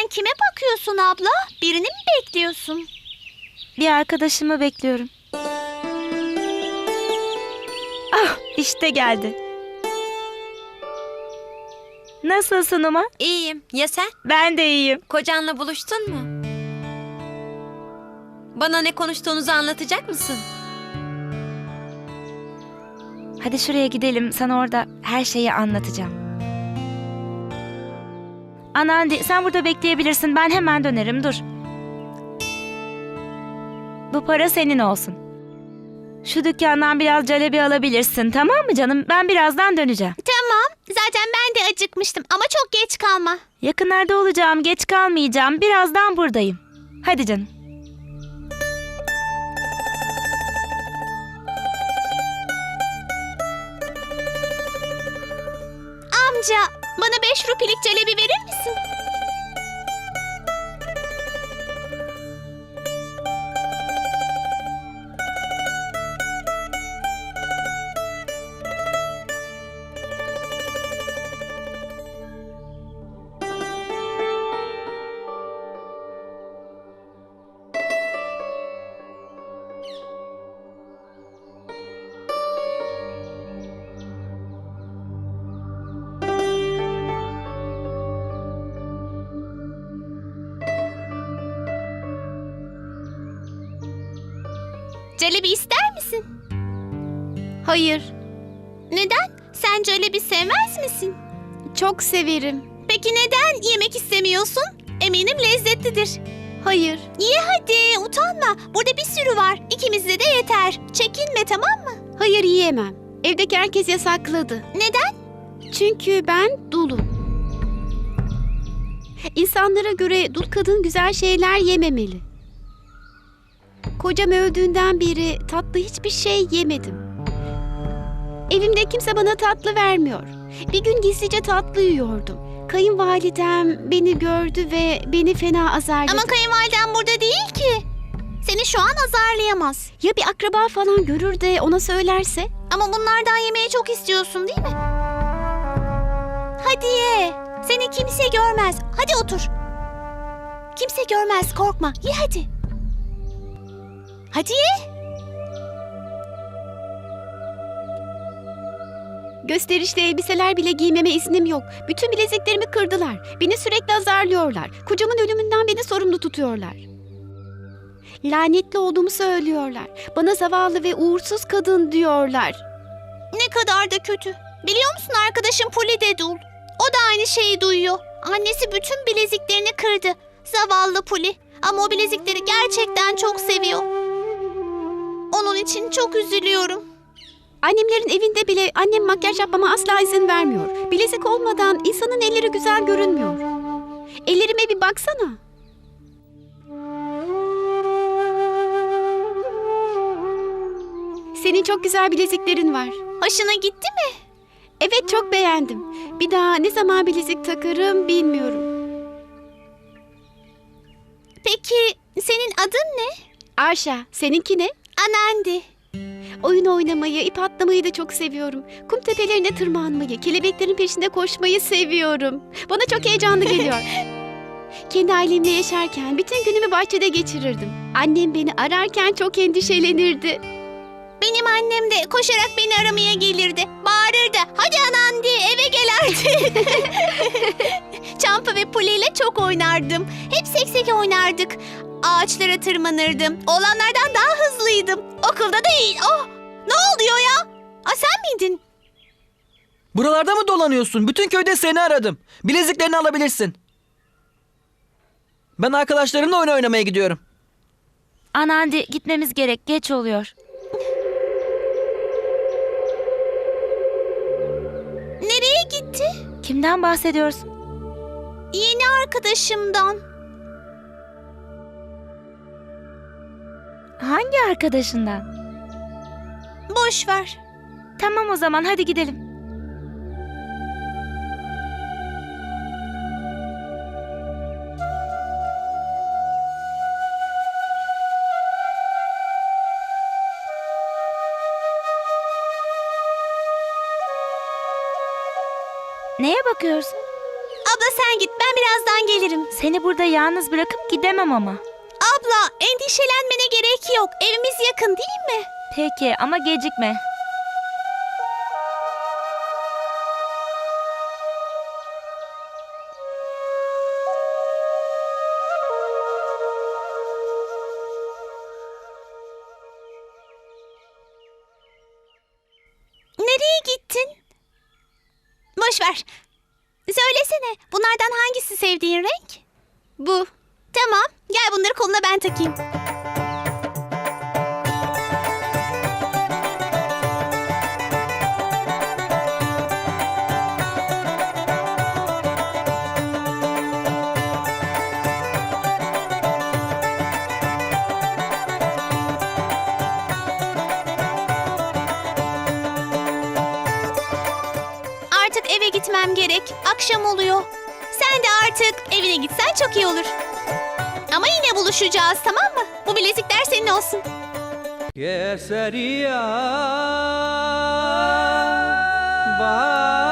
Sen kime bakıyorsun abla? Birini mi bekliyorsun? Bir arkadaşımı bekliyorum. Ah, işte geldi. Nasılsın Uma? İyiyim. Ya sen? Ben de iyiyim. Kocanla buluştun mu? Bana ne konuştuğunuzu anlatacak mısın? Hadi şuraya gidelim. Sana orada her şeyi anlatacağım. Anandi, sen burada bekleyebilirsin. Ben hemen dönerim. Dur. Bu para senin olsun. Şu dükkandan biraz calebi alabilirsin. Tamam mı canım? Ben birazdan döneceğim. Tamam. Zaten ben de acıkmıştım ama çok geç kalma. Yakınlarda olacağım. Geç kalmayacağım. Birazdan buradayım. Hadi canım. Amca, bana 5 rupilik calebi verir misin? Calebi ister misin? Hayır, Neden? Sen calebi sevmez misin? çok severim. Peki neden yemek istemiyorsun? Eminim lezzetlidir. Hayır, Ye hadi, utanma. Burada bir sürü var. İkimizde de yeter. Çekinme, tamam mı? hayır yiyemem. Evdeki herkes yasakladı. Neden? Çünkü ben dulum. İnsanlara göre dul kadın güzel şeyler yememeli. Kocam öldüğünden beri tatlı hiçbir şey yemedim. Evimde kimse bana tatlı vermiyor. Bir gün gizlice tatlı yiyordum. Kayınvalidem beni gördü ve beni fena azarladı. Ama kayınvaliden burada değil ki. Seni şu an azarlayamaz. Ya bir akraba falan görür de ona söylerse? Ama bunlardan yemeyi çok istiyorsun değil mi? Hadi ye. Seni kimse görmez. Hadi otur. Kimse görmez, korkma. Ye hadi. Hadi ye. Gösterişli elbiseler bile giymeme iznim yok. Bütün bileziklerimi kırdılar. Beni sürekli azarlıyorlar. Kocamın ölümünden beni sorumlu tutuyorlar. Lanetli olduğumu söylüyorlar. Bana zavallı ve uğursuz kadın diyorlar. Ne kadar da kötü. Biliyor musun, arkadaşım Puli de dul. O da aynı şeyi duyuyor. Annesi bütün bileziklerini kırdı. Zavallı Puli. Ama o bilezikleri gerçekten çok seviyor. Onun için çok üzülüyorum. Annemlerin evinde bile annem makyaj yapmama asla izin vermiyor. Bilezik olmadan insanın elleri güzel görünmüyor. Ellerime bir baksana. Senin çok güzel bileziklerin var. Hoşuna gitti mi? Evet, çok beğendim. Bir daha ne zaman bilezik takarım bilmiyorum. Peki senin adın ne? Arşa, seninki ne? Anandi. Oyun oynamayı, ip atlamayı da çok seviyorum. Kum tepelerine tırmanmayı, kelebeklerin peşinde koşmayı seviyorum. Bana çok heyecanlı geliyor. Kendi ailemle yaşarken bütün günümü bahçede geçirirdim. Annem beni ararken çok endişelenirdi. Benim annem de koşarak beni aramaya gelirdi. Bağırırdı. Hadi Anandi, eve gel artık. Çampa ve Puli ile çok oynardım. Hep seksek oynardık. Ağaçlara tırmanırdım. Oğlanlardan daha hızlıydım. Okulda da iyi. Oh, ne oluyor ya? Sen miydin? Buralarda mı dolanıyorsun? Bütün köyde seni aradım. Bileziklerini alabilirsin. Ben arkadaşlarımla oyun oynamaya gidiyorum. Anandi, gitmemiz gerek. Geç oluyor. Nereye gitti? Kimden bahsediyorsun? Yeni arkadaşımdan. Hangi arkadaşından? Boş ver. Tamam o zaman hadi gidelim. Neye bakıyorsun? Abla sen git, ben birazdan gelirim. Seni burada yalnız bırakıp gidemem ama. Abla, endişelenmene gerek yok. Evimiz yakın değil mi? Peki ama gecikme. Nereye gittin? Boş ver. Söylesene, bunlardan hangisi sevdiğin renk? Bu. Tamam, gel bunları koluna ben takayım. Artık eve gitmem gerek. Akşam oluyor. Sen de artık evine gitsen çok iyi olur. Ama yine buluşacağız, tamam mı? Bu bilezikler senin olsun. केसरिया बा